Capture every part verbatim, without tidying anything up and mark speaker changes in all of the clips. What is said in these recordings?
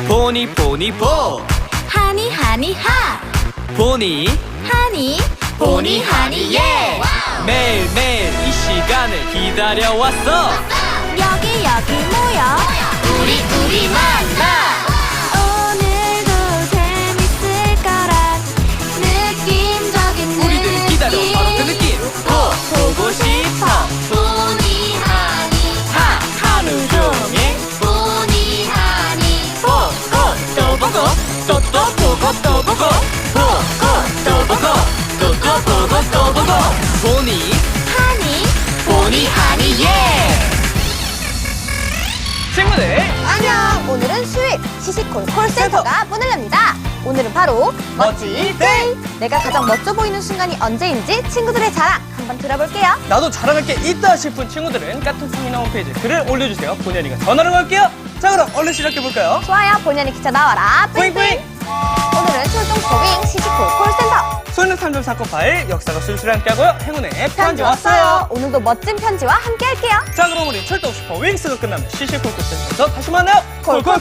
Speaker 1: 보니 보니 보
Speaker 2: 하니 하니 하
Speaker 1: 보니
Speaker 2: 하니 보니 하니 예
Speaker 1: 매일매일 이 시간을 기다려왔어.
Speaker 2: 여기 여기 모여 우리 우리 만나 오늘도 재밌을 거란 느낌적인
Speaker 1: 우리들이 기다려 바로 그 느낌. 보 보고 싶어
Speaker 2: 보니 하니
Speaker 1: 하 하루 종일
Speaker 2: 보니 하니
Speaker 1: 보고 또 보고 또 또 보고 또 보고 보고 또 보고 또 또 보고 또 보고 보니
Speaker 2: 하니
Speaker 1: 보니 하니 예. 친구들
Speaker 3: 안녕! 오늘은 수요일 시시콜 콜센터가 문을 엽니다. 오늘은 바로
Speaker 1: 멋지 데이.
Speaker 3: 내가 가장 멋져 보이는 순간이 언제인지 친구들의 자랑 한번 들어볼게요.
Speaker 1: 나도 자랑할 게 있다 싶은 친구들은 까톡상이나 홈페이지에 글을 올려주세요. 본연이가 전화를 걸게요. 자, 그럼 얼른 시작해볼까요?
Speaker 3: 좋아요, 본연의 기차 나와라.
Speaker 1: 뿌잉뿌잉.
Speaker 3: 오늘은 출동 초빙 시시콜 콜센터.
Speaker 1: 소년의 삼 점 사건 파일 역사가 술술히 함께하고요. 행운의 편지
Speaker 3: 편지
Speaker 1: 왔어요.
Speaker 3: 왔어요. 오늘도 멋진 편지와 함께 할게요.
Speaker 1: 자, 그럼 우리 출동 슈퍼 윙스가 끝나면 시시콜콜 센터에서 다시 만나요. 콜콜콜.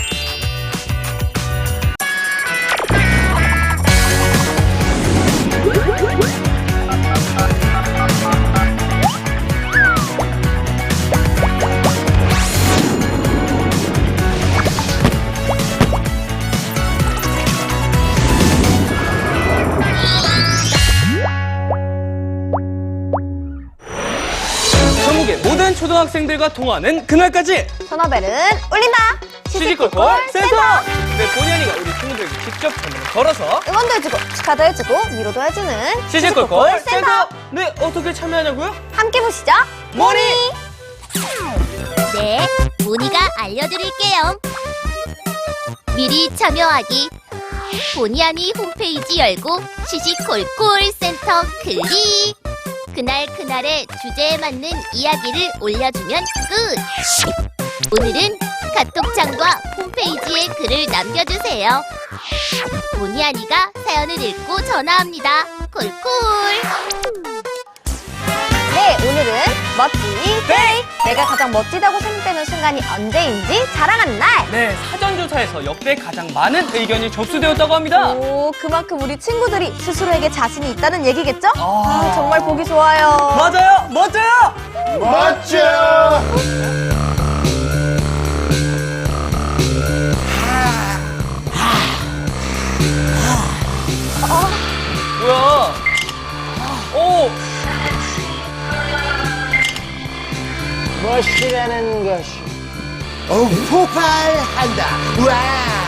Speaker 1: 전국의 모든 초등학생들과 통하는 그날까지
Speaker 3: 전화벨은 울린다.
Speaker 1: 시시콜콜 센터. 네, 본연이가 우리 친구들에게 직접 전화를 걸어서
Speaker 3: 응원도 해주고 축하도 해주고 위로도 해주는
Speaker 1: 시시콜콜 센터. 네, 어떻게 참여하냐고요?
Speaker 3: 함께 보시죠.
Speaker 1: 모니.
Speaker 2: 네, 모니가 알려드릴게요. 미리 참여하기. 보니하니 홈페이지 열고 시시콜콜 센터 클릭. 그날 그날의 주제에 맞는 이야기를 올려주면 끝. 오늘은 카톡창과 홈페이지에 글을 남겨주세요. 보니하니가 사연을 읽고 전화합니다. 콜콜.
Speaker 3: 네, 오늘은 멋지 데이! 내가 가장 멋지다고 생각되는 순간이 언제인지 자랑하는 날!
Speaker 1: 네, 사전조사에서 역대 가장 많은 의견이 접수되었다고 합니다.
Speaker 3: 오, 그만큼 우리 친구들이 스스로에게 자신이 있다는 얘기겠죠?
Speaker 1: 아.
Speaker 3: 아, 정말 보기 좋아요.
Speaker 1: 맞아요, 멋져요.
Speaker 4: 멋져!
Speaker 1: 뭐야? 오,
Speaker 4: 멋이라는 것이 어, 폭발한다. 와!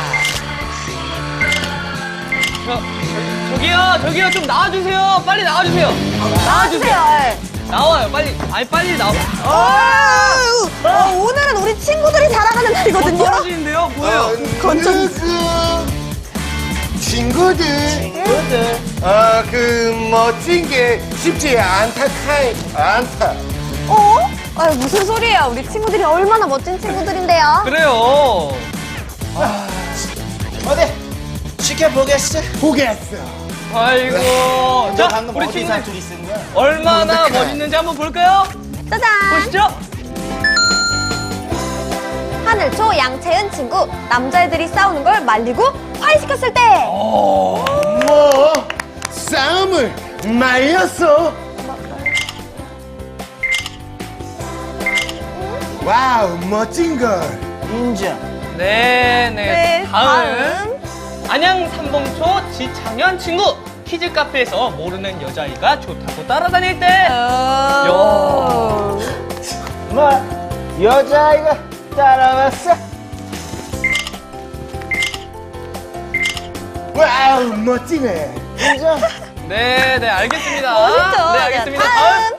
Speaker 1: 저, 저기요, 저기요, 좀 나와주세요. 빨리 나와주세요.
Speaker 3: 나와주세요.
Speaker 1: 나와요, 빨리. 아니, 빨리 나와.
Speaker 3: 아, 어, 오늘은 우리 친구들이 자랑하는 날이거든요.
Speaker 1: 떨어지는데요? 뭐예요?
Speaker 4: 건전 친구들. 친구들. 아, 그 멋진 게 쉽지 않다 카이 않다.
Speaker 3: 어? 아유, 무슨 소리예요? 우리 친구들이 얼마나 멋진 친구들인데요.
Speaker 1: 그래요.
Speaker 4: 어디? 지켜보겠어. 보겠어.
Speaker 1: 아이고.
Speaker 4: 너
Speaker 1: 자,
Speaker 4: 방금
Speaker 1: 우리
Speaker 4: 어디서
Speaker 1: 친구들
Speaker 4: 둘이 쓴 거야?
Speaker 1: 얼마나
Speaker 4: 어떡해.
Speaker 1: 멋있는지 한번 볼까요?
Speaker 3: 짜잔!
Speaker 1: 보시죠.
Speaker 3: 하늘초 양채은 친구. 남자애들이 싸우는 걸 말리고 화해시켰을 때.
Speaker 1: 오.
Speaker 4: 뭐? 싸움을 말렸어. 와우, 멋진 걸. 인정.
Speaker 1: 네, 네.
Speaker 3: 네,
Speaker 1: 다음. 안양 삼봉초 지창현 친구. 키즈 카페에서 모르는 여자아이가 좋다고 따라다닐 때.
Speaker 3: 어...
Speaker 4: 뭐? 여자아이가 따라왔어? 와우, 멋지네. 인정.
Speaker 1: 네, 네, 알겠습니다.
Speaker 3: 멋있죠?
Speaker 1: 네, 알겠습니다.
Speaker 3: 네,
Speaker 1: 다음.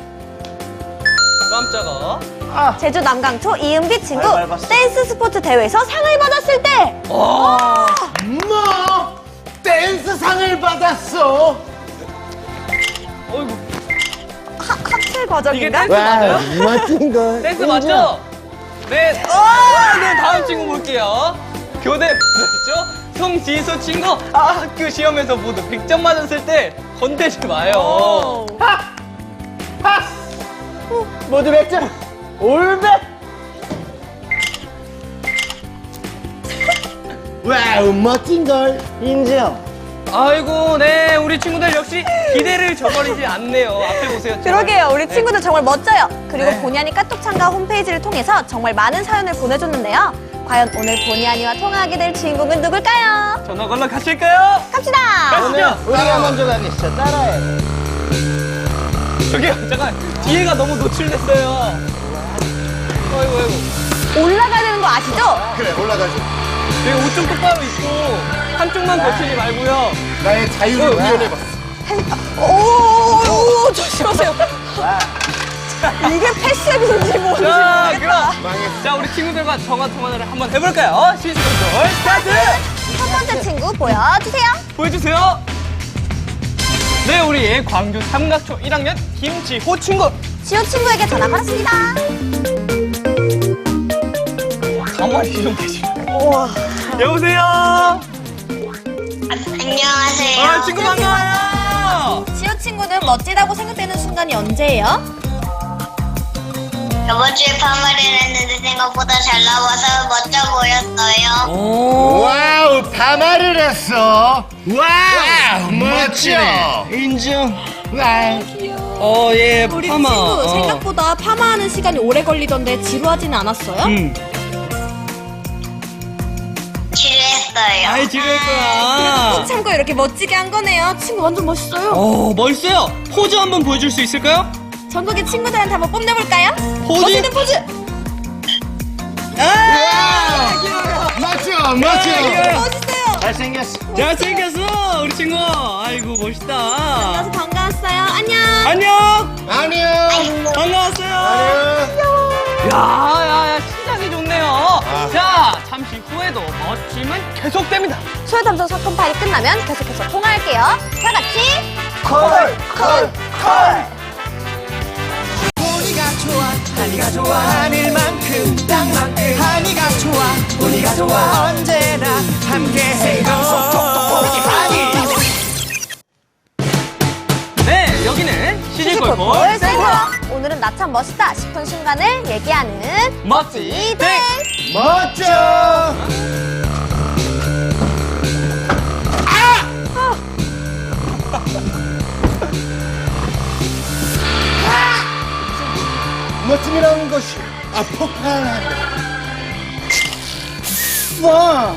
Speaker 1: 깜짝아.
Speaker 4: 아,
Speaker 3: 제주 남강초 이은비 친구.
Speaker 4: 잘 밟았어.
Speaker 3: 댄스 스포츠 대회에서 상을 받았을 때.
Speaker 1: 와.
Speaker 4: 뭐? 댄스 상을 받았어.
Speaker 1: 어이구.
Speaker 3: 하, 학술
Speaker 1: 이게
Speaker 3: 과정인가?
Speaker 1: 댄스 맞아요?
Speaker 4: 멋진 걸.
Speaker 1: 댄스 맞죠? 네. 아, 네, 다음 친구 볼게요. 교대 뭐였죠? 송지수 친구. 아, 학교 시험에서 모두 백 점 맞았을 때 건들지 마요.
Speaker 4: 하! 하! 모두 백 점. 올백. 와우, 멋진 걸. 인정.
Speaker 1: 아이고, 네, 우리 친구들 역시 기대를 저버리지 않네요. 앞에 보세요.
Speaker 3: 그러게요. 우리
Speaker 1: 네.
Speaker 3: 친구들 정말 멋져요. 그리고
Speaker 1: 네.
Speaker 3: 보니아니 카톡 참가 홈페이지를 통해서 정말 많은 사연을 보내줬는데요. 과연 오늘 보니아니와 통화하게 될 주인공은 누굴까요?
Speaker 1: 전화 걸러 가실까요?
Speaker 3: 갑시다.
Speaker 1: 가시죠.
Speaker 4: 우리가 먼저 가겠어. 따라해.
Speaker 1: 저기요, 잠깐. 뒤에가 너무 노출됐어요. 아이고, 아이고.
Speaker 3: 올라가야 되는 거 아시죠?
Speaker 4: 그래, 올라가자.
Speaker 1: 여기 옷 좀 똑바로 입고 한쪽만 거치지 말고요.
Speaker 4: 나의 자유를
Speaker 1: 어,
Speaker 4: 구현해봤어.
Speaker 3: 오, 오, 조심하세요. 이게 패션인지 뭔지
Speaker 1: 자,
Speaker 3: 모르겠다.
Speaker 1: 그럼.
Speaker 4: 망했어.
Speaker 1: 자, 우리 친구들과 전화 통화를 한번 해볼까요? 시즌 스타트!
Speaker 3: 첫 번째 친구 보여주세요.
Speaker 1: 보여주세요. 네, 우리 광주 삼각초 일 학년 김지호 친구.
Speaker 3: 지호 친구에게 전화 걸었습니다.
Speaker 1: 가만히 좀 계시네.
Speaker 3: 우와.
Speaker 1: 여보세요?
Speaker 5: 안녕하세요.
Speaker 1: 아, 친구 반가워요.
Speaker 3: 지호 친구는 멋지다고 생각되는 순간이 언제예요?
Speaker 5: 저번 주에 파마를 했는데 생각보다 잘 나와서 멋져 보였어요.
Speaker 1: 오.
Speaker 4: 와우, 파마를 했어. 와우, 멋져.
Speaker 1: 인정.
Speaker 4: 와우.
Speaker 1: 어, 예,
Speaker 3: 우리
Speaker 1: 파마.
Speaker 3: 친구
Speaker 1: 어.
Speaker 3: 생각보다 파마하는 시간이 오래 걸리던데 지루하진 않았어요?
Speaker 1: 음.
Speaker 5: 지루했어요.
Speaker 1: 아이, 지루했구나.
Speaker 3: 참고 이렇게 멋지게 한 거네요. 친구 완전 멋있어요.
Speaker 1: 어, 멋있어요. 포즈 한번 보여줄 수 있을까요?
Speaker 3: 전국의 친구들한테 한번 뽐내볼까요?
Speaker 1: 포즈?
Speaker 3: 멋있는 포즈!
Speaker 1: 아!
Speaker 4: 멋져,
Speaker 1: 멋져.
Speaker 3: 멋있어요!
Speaker 4: 잘생겼어.
Speaker 1: 잘생겼어, 우리 친구. 아이고, 멋있다.
Speaker 3: 만나서 반가웠어요. 안녕!
Speaker 1: 안녕.
Speaker 4: 안녕.
Speaker 1: 반가웠어요.
Speaker 4: 안녕.
Speaker 1: 야, 야, 야, 시작이 좋네요. 자, 잠시 후에도 멋짐은 계속됩니다.
Speaker 3: 초회 탐정 사건 파일이 끝나면 계속해서 통화할게요. 다 같이
Speaker 4: 콜, 콜, 콜.
Speaker 6: 보니가 좋아 하니가 좋아 하늘만큼 땅만큼 하니가 좋아 보니가 좋아 언제나 함께해요
Speaker 1: 네, 여기는 시즌골골
Speaker 3: 볼 센터! 오늘은 나 참 멋있다 싶은 순간을 얘기하는
Speaker 1: 멋지 땡.
Speaker 4: 멋져. 멋짐이라는 것이 아 폭발한다. 와.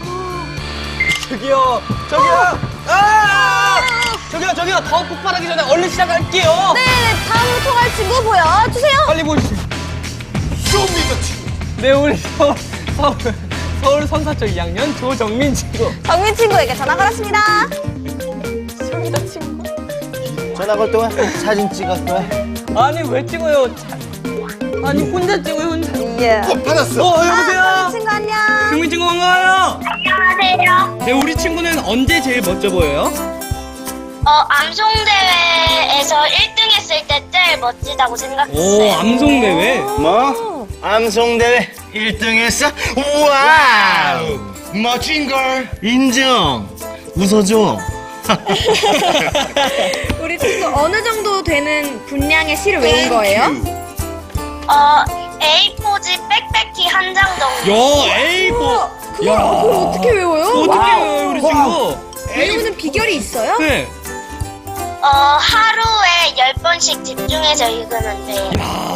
Speaker 1: 저기요, 저기요. 아! 저기요, 저기요. 더 폭발하기 전에 얼른 시작할게요.
Speaker 3: 네, 다음 통화할 친구 보여주세요.
Speaker 1: 빨리 보시죠.
Speaker 4: 쇼미더 친구.
Speaker 1: 네, 우리 서울, 서울, 서울 선사초 이 학년 조정민 친구.
Speaker 3: 정민 친구에게 전화 걸었습니다. 소미더 친구.
Speaker 6: 전화 걸 동안 사진 찍을 거야
Speaker 1: 아니, 왜 찍어요? 자- 아니, 혼자 찍어요, 혼자.
Speaker 3: 예.
Speaker 4: 어, 받았어.
Speaker 1: 어,
Speaker 3: 아,
Speaker 1: 여보세요?
Speaker 3: 정민 친구 안녕.
Speaker 1: 정민 친구 반가워요.
Speaker 5: 안녕하세요.
Speaker 1: 네, 우리 친구는 언제 제일 멋져 보여요?
Speaker 5: 어, 암송대회에서 일 등 했을 때 제일 멋지다고
Speaker 1: 오,
Speaker 5: 생각했어요.
Speaker 1: 암송대회.
Speaker 6: 뭐? 암송대회 일 등 했어? 와우 멋진 걸 인정 웃어줘
Speaker 3: 우리 친구 어느 정도 되는 분량의 시를 외운 거예요?
Speaker 5: 어, 에이 포지 백패키 한 장 정도.
Speaker 1: 야, 에이포. 야,
Speaker 3: 그걸 어떻게 외워요?
Speaker 1: 어떻게 해요, 우리 친구?
Speaker 3: 외우는 비결이 있어요?
Speaker 1: 네.
Speaker 5: 어, 하루에 열 번씩 집중해서 읽으면 돼요.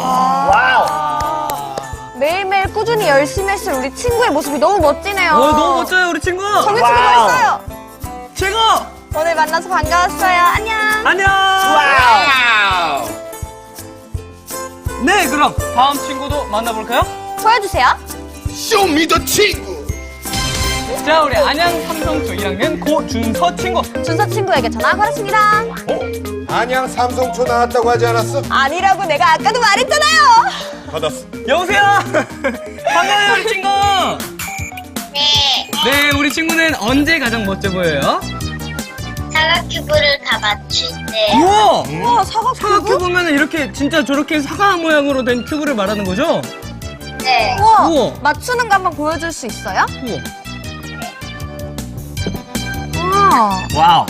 Speaker 3: 매일매일 꾸준히 열심히 했을 우리 친구의 모습이 너무 멋지네요.
Speaker 1: 어, 너무 멋져요, 우리 친구.
Speaker 3: 정민 친구 멋있어요.
Speaker 1: 최고.
Speaker 3: 오늘 만나서 반가웠어요. 안녕.
Speaker 1: 안녕.
Speaker 4: 와우.
Speaker 1: 네, 그럼 다음 친구도 만나볼까요?
Speaker 3: 보여주세요.
Speaker 4: 쇼미더 친구.
Speaker 1: 자, 우리 안양 삼성초 일 학년 고준서 친구.
Speaker 3: 준서 친구에게 전화 걸었습니다.
Speaker 4: 어? 안양 삼성초 나왔다고 하지 않았어?
Speaker 3: 아니라고 내가 아까도 말했잖아요.
Speaker 4: 받았어.
Speaker 1: 여보세요. 반가워요, 우리 친구.
Speaker 5: 네.
Speaker 1: 네, 우리 친구는 언제 가장 멋져 보여요?
Speaker 5: 사각 큐브를 다 맞출 때.
Speaker 1: 우와.
Speaker 3: 우와, 사과
Speaker 1: 사각
Speaker 3: 큐브?
Speaker 1: 큐브면 이렇게 진짜 저렇게 사과 모양으로 된 큐브를 말하는 거죠?
Speaker 5: 네.
Speaker 3: 우와,
Speaker 1: 우와.
Speaker 3: 맞추는 거 한번 보여줄 수 있어요?
Speaker 1: 우와.
Speaker 3: 우와.
Speaker 6: 와우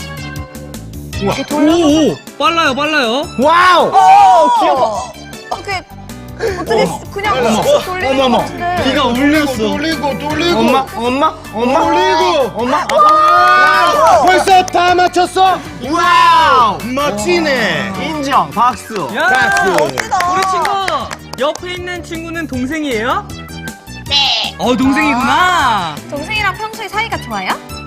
Speaker 3: 이렇게 돌려.
Speaker 1: 오, 오, 빨라요, 빨라요.
Speaker 6: 와우
Speaker 3: 오, 귀여워. 이렇게 어떻게 그냥 쓱 돌리는 것 같은데.
Speaker 1: 비가 울렸어.
Speaker 4: 돌리고 돌리고
Speaker 6: 엄마 엄마 엄마
Speaker 4: 돌리고
Speaker 6: 엄마
Speaker 4: 와, 벌써 다 맞췄어? 와우 멋지네.
Speaker 6: 인정 박수.
Speaker 1: 야,
Speaker 4: 박수.
Speaker 1: 우리 친구 옆에 있는 친구는 동생이에요?
Speaker 5: 네.
Speaker 1: 어, 동생이구나.
Speaker 3: 동생이랑 평소에 사이가 좋아요?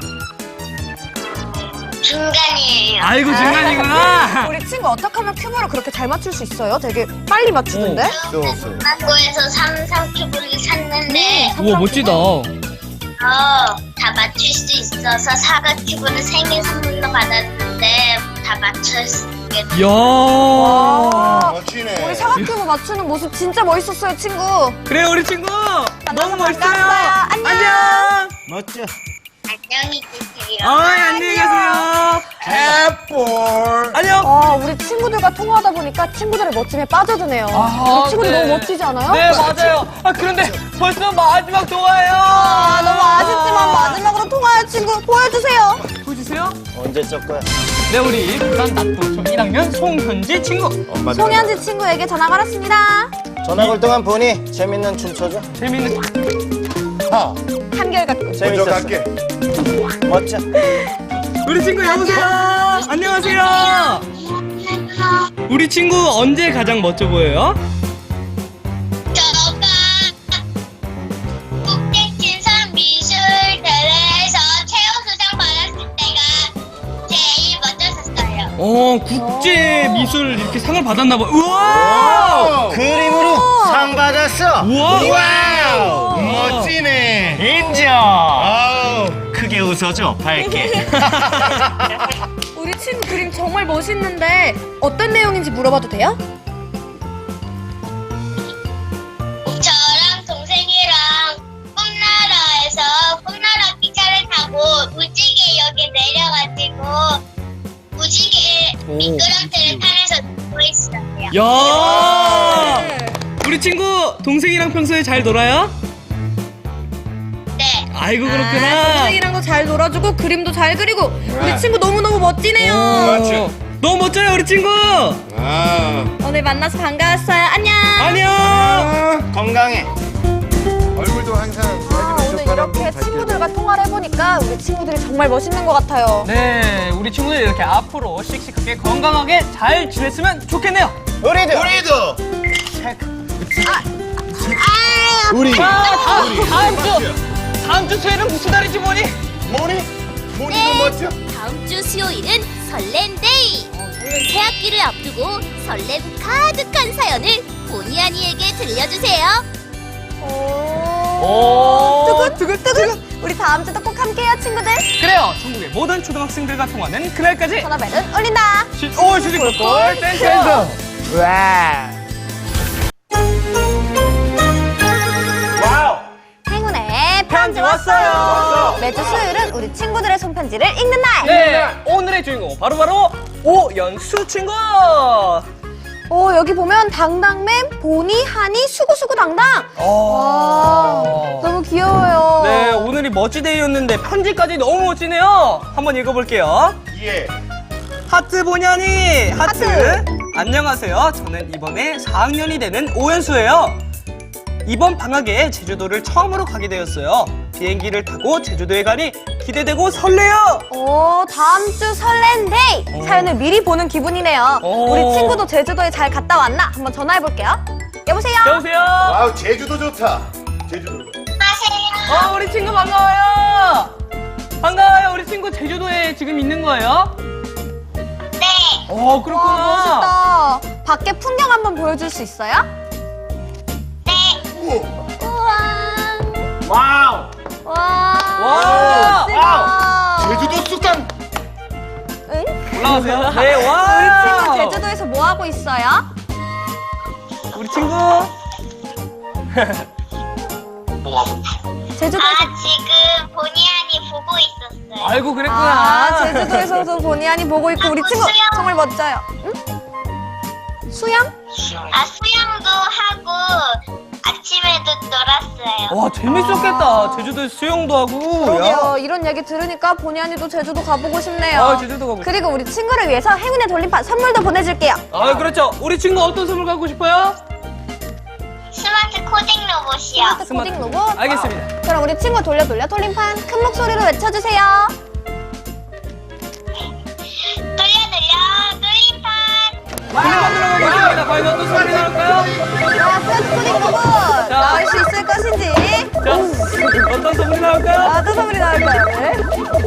Speaker 5: 중간이에요.
Speaker 1: 아이고, 중간이구나.
Speaker 3: 우리 친구 어떻게 하면 큐브를 그렇게 잘 맞출 수 있어요? 되게 빨리 맞추는데?
Speaker 5: 중간고에서 삼, 삼 큐브를 샀는데
Speaker 1: 우와, 멋지다.
Speaker 5: 어, 다 맞출 수 있어서 사과 큐브는 생일 선물로 받았는데 다 맞췄게
Speaker 1: 이야.
Speaker 3: 아,
Speaker 4: 멋지네.
Speaker 3: 우리 사과 큐브 맞추는 모습 진짜 멋있었어요, 친구.
Speaker 1: 그래, 우리 친구. 너무 멋있어요.
Speaker 3: 반가웠어요. 안녕.
Speaker 1: 안녕.
Speaker 6: 멋져.
Speaker 5: 안녕히 계세요.
Speaker 1: 어, 안녕히 가세요.
Speaker 4: 애플.
Speaker 1: 안녕.
Speaker 3: 아, 우리 친구들과 통화하다 보니까 친구들의 멋짐에 빠져드네요.
Speaker 1: 아,
Speaker 3: 우리 친구들
Speaker 1: 네.
Speaker 3: 너무 멋지지 않아요?
Speaker 1: 네, 맞아요. 아, 그런데 벌써 마지막 통화예요.
Speaker 3: 아, 너무 아쉽지만 마지막으로 통화할 친구 보여주세요.
Speaker 1: 보여주세요.
Speaker 6: 언제 적 거야?
Speaker 1: 네, 우리 부산 낙동초 일 학년 송현지 친구.
Speaker 4: 엄마
Speaker 3: 송현지 친구에게 전화 걸었습니다.
Speaker 6: 전화 걸 동안 보니 재밌는 춤 춰줘.
Speaker 1: 재밌는.
Speaker 4: 파.
Speaker 3: 한결같고.
Speaker 4: 먼저
Speaker 6: 재밌었어.
Speaker 4: 갈게.
Speaker 6: 멋져.
Speaker 1: 우리 친구 여보세요. 안녕하세요. 우리 친구 언제 가장 멋져 보여요?
Speaker 5: 저가 국제친선 미술대회에서 최우수상 받았을 때가 제일 멋졌었어요.
Speaker 1: 어, 국제 미술 이렇게 상을 받았나 봐. 우와!
Speaker 6: 그림으로 상 받았어.
Speaker 1: 우와!
Speaker 4: 와우.
Speaker 1: 우와.
Speaker 4: 멋지네.
Speaker 6: 인정.
Speaker 4: 아우.
Speaker 6: 크게 웃어줘. 밝게.
Speaker 3: 우리 친구 그림 정말 멋있는데 어떤 내용인지 물어봐도 돼요?
Speaker 5: 저랑 동생이랑 꿈나라에서 꿈나라 기차를 타고 무지개역에 내려가지고 무지개 미끄럼틀을 타면서 놀고 있어요.
Speaker 1: 야! 우리 친구 동생이랑 평소에 잘 놀아요?
Speaker 5: 네.
Speaker 1: 아이고
Speaker 3: 아,
Speaker 1: 그렇구나.
Speaker 3: 동생이랑도 잘 놀아주고 그림도 잘 그리고 우리
Speaker 4: 네.
Speaker 3: 친구 너무너무 멋지네요.
Speaker 1: 어, 너무 멋져요 우리 친구.
Speaker 4: 아.
Speaker 3: 오늘 만나서 반가웠어요. 안녕.
Speaker 1: 안녕.
Speaker 6: 건강해.
Speaker 4: 얼굴도 항상
Speaker 3: 아, 오늘 이렇게 친구들과 통화를 해보니까 우리 친구들이 정말 멋있는 것 같아요.
Speaker 1: 네, 우리 친구들 이렇게 앞으로 씩씩하게 건강하게 잘 지냈으면 좋겠네요.
Speaker 6: 우리도.
Speaker 4: 우리도. 우리.
Speaker 1: 아, 다음, 다음 주 다음 주 수요일은 무슨 날이지 뭐니?
Speaker 4: 모니? 모니도
Speaker 2: 네.
Speaker 4: 멋져.
Speaker 2: 다음 주 수요일은 설렌데이. 새 학기를 앞두고 설렘 가득한 사연을 보니 아니에게 들려주세요.
Speaker 1: 오.
Speaker 3: 두근두근두근. 우리 다음 주도 꼭 함께해요, 친구들.
Speaker 1: 그래요. 전국의 모든 초등학생들과 통하는 그날까지.
Speaker 3: 전화벨은 울린다.
Speaker 1: 시, 오, 슈지골골 센터.
Speaker 6: 와. 와우.
Speaker 3: 행운의
Speaker 1: 편지 왔어요.
Speaker 3: 매주 수요일은 우리 친구들의 손편지를 읽는 날.
Speaker 1: 네, 오늘의 주인공 바로바로 오연수 친구.
Speaker 3: 오, 여기 보면 당당맨, 보니, 하니, 수구수구당당. 와, 너무 귀여워요.
Speaker 1: 네, 오늘이 멋지데이였는데 편지까지 너무 멋지네요. 한번 읽어볼게요.
Speaker 4: 예.
Speaker 1: 하트 보냐니 하트.
Speaker 3: 하트.
Speaker 1: 안녕하세요. 저는 이번에 사 학년이 되는 오연수예요. 이번 방학에 제주도를 처음으로 가게 되었어요. 비행기를 타고 제주도에 가니 기대되고 설레요.
Speaker 3: 오, 다음 주 설렌데이. 사연을 미리 보는 기분이네요.
Speaker 1: 오.
Speaker 3: 우리 친구도 제주도에 잘 갔다 왔나? 한번 전화해볼게요. 여보세요?
Speaker 1: 여보세요.
Speaker 4: 아우 제주도 좋다. 제주도.
Speaker 5: 하세요.
Speaker 1: 어, 우리 친구 반가워요. 반가워요. 우리 친구 제주도에 지금 있는 거예요?
Speaker 5: 네.
Speaker 1: 어, 그렇구나.
Speaker 3: 와, 멋있다. 밖에 풍경 한번 보여줄 수 있어요?
Speaker 5: 네.
Speaker 3: 우와.
Speaker 6: 와우.
Speaker 3: 와.
Speaker 1: 와.
Speaker 3: 멋지다.
Speaker 4: 제주도 쑥강.
Speaker 3: 응?
Speaker 1: 올라가세요. 네,
Speaker 3: 우리
Speaker 1: 와.
Speaker 3: 친구 제주도에서 뭐 하고 있어요?
Speaker 1: 우리 친구.
Speaker 3: 제주도에서
Speaker 5: 아, 지금 보니아니 보고 있었어요.
Speaker 1: 아이고, 그랬구나.
Speaker 3: 아, 제주도에서도 보니 아니 보고 있고 우리 친구
Speaker 5: 수영.
Speaker 3: 정말 멋져요. 응? 수영?
Speaker 5: 아, 수영도 하고 아침에도 놀았어요.
Speaker 1: 와, 재밌었겠다. 제주도 수영도 하고.
Speaker 3: 그러게요. 이런 얘기 들으니까 보니 아니도 제주도 가보고 싶네요.
Speaker 1: 아, 제주도 가고.
Speaker 3: 그리고 우리 친구를 위해서 행운의 돌림판 선물도 보내줄게요.
Speaker 1: 아, 그렇죠. 우리 친구 어떤 선물 갖고 싶어요?
Speaker 5: 스마트 코딩 로봇이요.
Speaker 3: 스마트 코딩 로봇.
Speaker 1: 알겠습니다.
Speaker 3: 그럼 우리 친구 돌려 돌려 돌림판 큰 목소리로 외쳐주세요.
Speaker 5: 돌려 돌려 돌림판.
Speaker 1: 돌림판 들어가겠습니다. 과연 어떤 소리 나올까요?
Speaker 3: 자, 스마트 코딩 로봇.
Speaker 1: 자.
Speaker 3: 나올 수 있을 것인지.
Speaker 1: 자, 어떤 소리 나올까요?
Speaker 3: 아, 어떤 소리 나올까요? 네.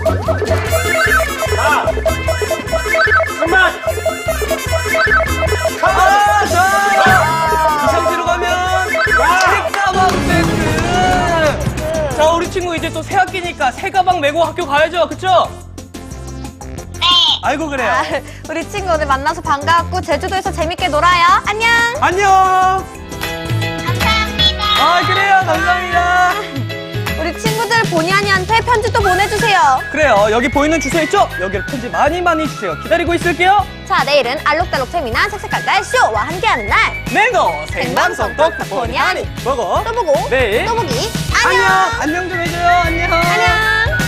Speaker 1: 아, 자! 이 상태로 가면 책가방 세트! 자, 우리 친구 이제 또 새 학기니까 새 가방 메고 학교 가야죠, 그쵸?
Speaker 5: 네.
Speaker 1: 아이고, 그래요.
Speaker 3: 아, 우리 친구 오늘 만나서 반가웠고 제주도에서 재밌게 놀아요. 안녕.
Speaker 1: 안녕!
Speaker 5: 감사합니다.
Speaker 1: 아, 그래요. 감사합니다.
Speaker 3: 우리 친구들 본의 아니한테 편지 또 보내주세요.
Speaker 1: 그래요. 여기 보이는 주소 있죠? 여기로 편지 많이 많이 주세요. 기다리고 있을게요.
Speaker 3: 자, 내일은 알록달록 재미난 색색깔깔 쇼와 함께하는 날.
Speaker 1: 맹고 생방송 똑똑 보니 하니 보고
Speaker 3: 또 보고
Speaker 1: 내일
Speaker 3: 또 보기.
Speaker 1: 안녕.
Speaker 3: 안녕.
Speaker 1: 안녕 좀 해줘요. 안녕.
Speaker 3: 안녕.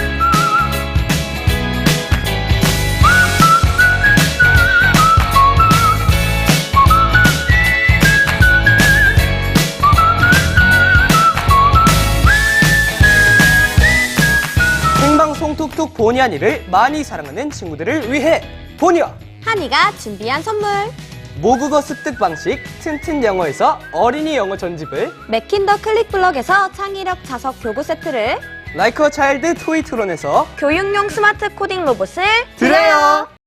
Speaker 1: 생방송 톡톡 보니 하니를 많이 사랑하는 친구들을 위해 보니와
Speaker 3: 한이가 준비한 선물.
Speaker 1: 모국어 습득 방식 튼튼 영어에서 어린이 영어 전집을
Speaker 3: 맥킨더 클릭블럭에서 창의력 자석 교구 세트를
Speaker 1: 라이크 어 차일드 토이트론에서
Speaker 3: 교육용 스마트 코딩 로봇을
Speaker 1: 드려요.